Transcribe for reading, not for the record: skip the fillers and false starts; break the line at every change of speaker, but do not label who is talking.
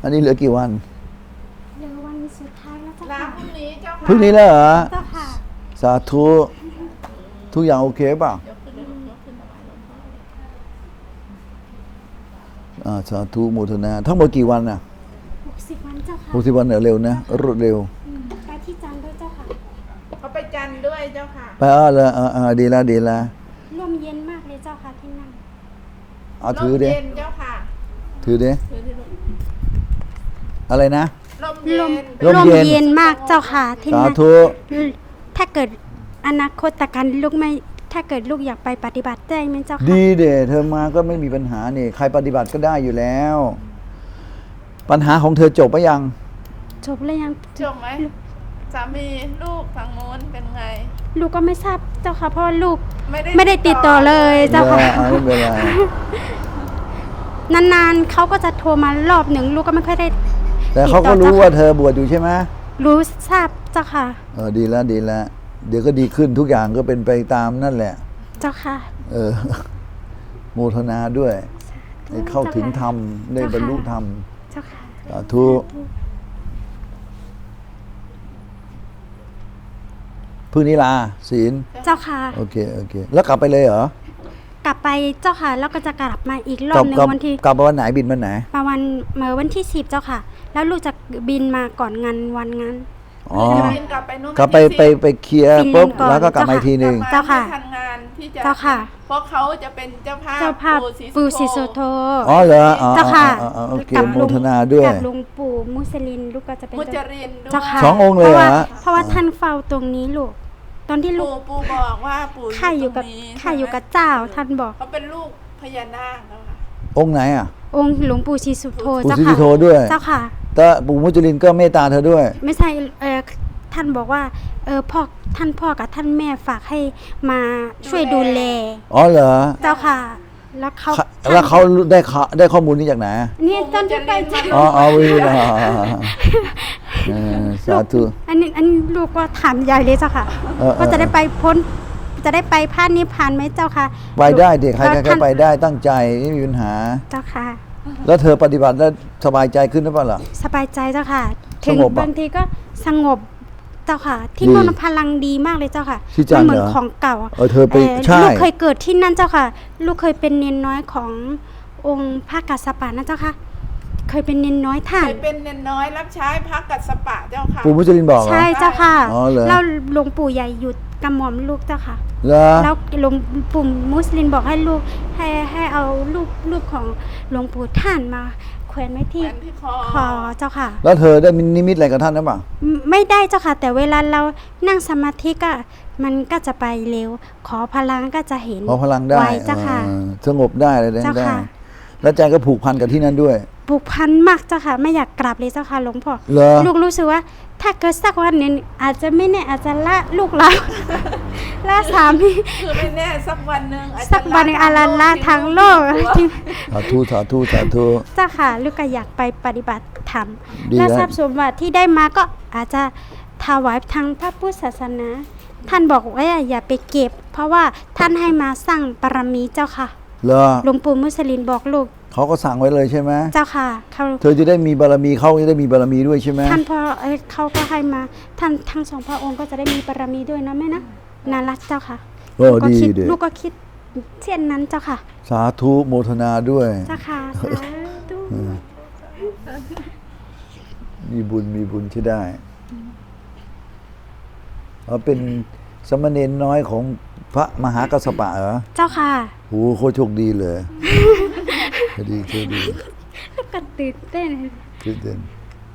อันนี้เหลือกี่วัน
เหลือวันสุดท้ายแล้วเจ้า
ลา
ค่ะ
พรุ่งนี้เจ้าค่ะ
พรุ่งนี้แล้วเหรอ
เจ้าค่ะ
สาธุทุกอย่างโอเคเปล่ะสาธุโมทนาทั้งหมดกี่วันน่ะ
60 วันเจ้าค่ะ
60 วันเร็วนะรวดเร็ว
ไปที่จันทร์ด้วยเจ้าค่ะ
เขาไปจันทร์ด้วยเจ้าค่ะ
ไปเลยดีแล้ว
ลมเย็นมากเลยเจ้าค่ะที่นั่น
เอาถือดิ
ลมเย็นเจ้าค่ะ
ถือดิ
ถือที่ลูก
อะไรนะ
ลมเย็น
ลมเย็น
เย็นมากเจ้าค่ะที่
สา
นั่น
ธุ
ถ้าเกิดอนาคตการลูกไม่ถ้าเกิดลูกอยากไปปฏิบัติได้ไหมเจ้าค่ะ
ดีเดเธอมาก็ไม่มีปัญหานี่ใครปฏิบัติก็ได้อยู่แล้ว ปัญหาของเธอจบไปยัง
จบแล้วยัง
จบไหมสามีลูกทางโน้นเป็นไง
ลูกก็ไม่ทราบเจ้าค่ะเพราะว่าลูก
ไม่
ไม่ได้ติดต่อเลยเจ้าค่ะ
ไม่เป็นไร
นานๆเขาก็จะโทรมารอบหนึ่งลูกก็ไม่ค่อยได้
แต่เขาก็รู้ว่าเธอบวชอยู่ใช่ไหม
รู้ทราบเจ้าค่ะ
ดีแล้วเดี๋ยวก็ดีขึ้นทุกอย่างก็เป็นไปตามนั่นแหละ
เจ้าค่ะ
โมทนาด้วยได้เข้าถึงธรรมได้บรรลุธรรม
เจ้าค่ะ
สาธุพึ่งนิลาศีล
เจ้าค่ะ
โอเคแล้วกลับไปเลยเหรอก
ลับไปเจ้าค่ะแล้วก็จะกลับมาอีกรอบหนึ่งวันที่
กลับวันไหนบินวันไหน
มาวันที่10เจ้าค่ะ แล้วลูกจะบินมาก่อนงานวันงาน
อ๋อ
จะบินกลับไปนู่น
กลับไป
วันที่
ไปเคลียร์
ฟินแลนด์
ปุ๊บ
ก่อน
แล้วก็กลับมาอีกทีหนึ่ง
10
เจ้าค่ะ
ไม่ทันงานที่จะ
เจ้าค่ะ
เพราะเขาจะเป็นเจ้าภาพ
เจ้าภาพปู่ศรีสุโธ
อ๋อเหรออ๋อ
เจ้าค่ะ
โอเคโมทนาด้วย
กับหลวงปู่มุสลินลูกก็จะเป็น
มุจรินด้วย
เจ้าค่ะ
สององค์เลยเหรอ
เพราะว่าท่านเฝ้าตรงนี้ลูกตอนที่ลูก
ปู่บอกว่าปู่
ข้าอยู่กับ
ตรงนี้
ข้าอยู่กับเจ้าท่านบอก
เขาเป็นลูกพญานาคแล้วค่ะ
องค์ไหนอ่ะ
องค์หลวงปู่ศรีสุโธ
ปู่
เจ้า
ศรี
ค่ะ
สุโธด้วย
เจ้าค่ะ
แต่ปู่มุจลินก็เมตตาเธอด้วย
ไม่ใช่ท่านบอกว่าท่านพ่อกับท่านแม่ฝากให้มาช่วยดูแล
อ๋อเหรอ
เจ้าค่ะ แล้วเขา
แล้วเขาได้ข้อมูลนี้จากไหน
นี่ตอนที่ไปเจ้า
อ๋อวินะสาธุ
อันนี้ลูกก็ถามยายเลยเจ้าค่ะว่าจะได้ไปพ้นจะได้ไปพระนิพพานไหมเจ้าค่ะ
ไปได้เด็กใคร
แล้ว
ๆก็
ท่าน
ไปได้ตั้งใจไม่มีปัญหา
เจ้าค่ะ
แล้วเธอปฏิบัติแล้วสบายใจขึ้นหรือเปล่าล่ะ
สบายใจเจ้าค่ะ
ส
ถึง
งบอะ
บางทีก็สงบเจ้าค่ะ ที่
ดี
นู่นพลังดีมากเลยเจ้าค่ะ
ที่จันทร์
เหมือน
เหรอ
ของเก่า
เธอไปใช่
ลูกเคยเกิดที่นั่นเจ้าค่ะ ลูกเคยเป็นเนนน้อยขององค์พระกัสสปะนะเจ้าค่ะ เคยเป็นเนนน้อยท่าน
เคยเป็นเนนน้อยรับใช้พระกัสสปะเจ้าค่ะ
ปู่มุจลินบอกเหรอ
ใช่เจ้าค่ะ
อ๋อเหรอ
แล้วหลวงปู่ใหญ่หยุดกำหม่อมลูกเจ้าค่ะ
เหรอ
แล้วหลวงปู่มุสลิมบอกให้ลูกให้เอารูปของหลวงปู่ท่านมาแขวนไว้ที่
แขวนที่คอ
คอเจ้าค่ะ
แล้วเธอได้มีนิมิตอะไรกับท่านหรือเปล่า
ไม่ได้เจ้าค่ะ แต่เวลาเรานั่งสมาธิก็มันก็จะไปเร็ว ขอพลังก็จะเห็น
พอพลังได้
ไวเจ้าค่ะ
สงบได้อะไรได้
เจ้าค่ะ
แล้วใจก็ผูกพันกับที่นั่นด้วย
ผูกพันมากเจ้าค่ะ ไม่อยากกลับเลยเจ้าค่ะหลวงพ่อ
เหรอ
ลูกรู้สึกว่า ถ้าเกิดสักวันหนึงอาจจะไม่แน่อาจจะละลูกเรา ละสามี
คือไม่แน่สักวันหนึ่งอาจจะ
สักวันหนึ่งอาลาละทางโลก
สาธุสาธุสาธุ
เจ้าค่ะ ลูกก็อยากไปปฏิบัติธรรม
ดี
และ
แล้ว
ทรัพย์สมบัติที่ได้มาก็อาจจะถวายทางพระพุทธศาสนา ท่านบอกว่าอย่าไปเก็บ เพราะว่าท่านให้มาสร้างบารมีเจ้าค่ะ
เหรอ
หลวงปู่มุสลินบอกลูก
เขาก็สั่งไว้เลยใช่ไหม
เจ้าค่ะเขา
เธอจะได้มีบารมีเขาจะได้มีบารมีด้วยใช่ไหม
ท่านพ่อเขาก็ให้มาท่านทั้งสองพระองค์ก็จะได้มีบารมีด้วยนะแม่นะน่ารักเจ้าค่ะ
โอ้
ลูกก็
ดี
คิด
เด็
ลูกก็คิดเช่นนั้นเจ้าค่ะ
สาธุโมทนาด้วย
เจ้าค่ะสาธุ
มีบุญที่ได้เป็นสมณเณรน้อยของพระมหากัสสปะเหรอ
เจ้าค่ะ
โหโคตรโชคดีเลยโชคดี
ลูกก็ตื่นเต้น
ตื่นเต้น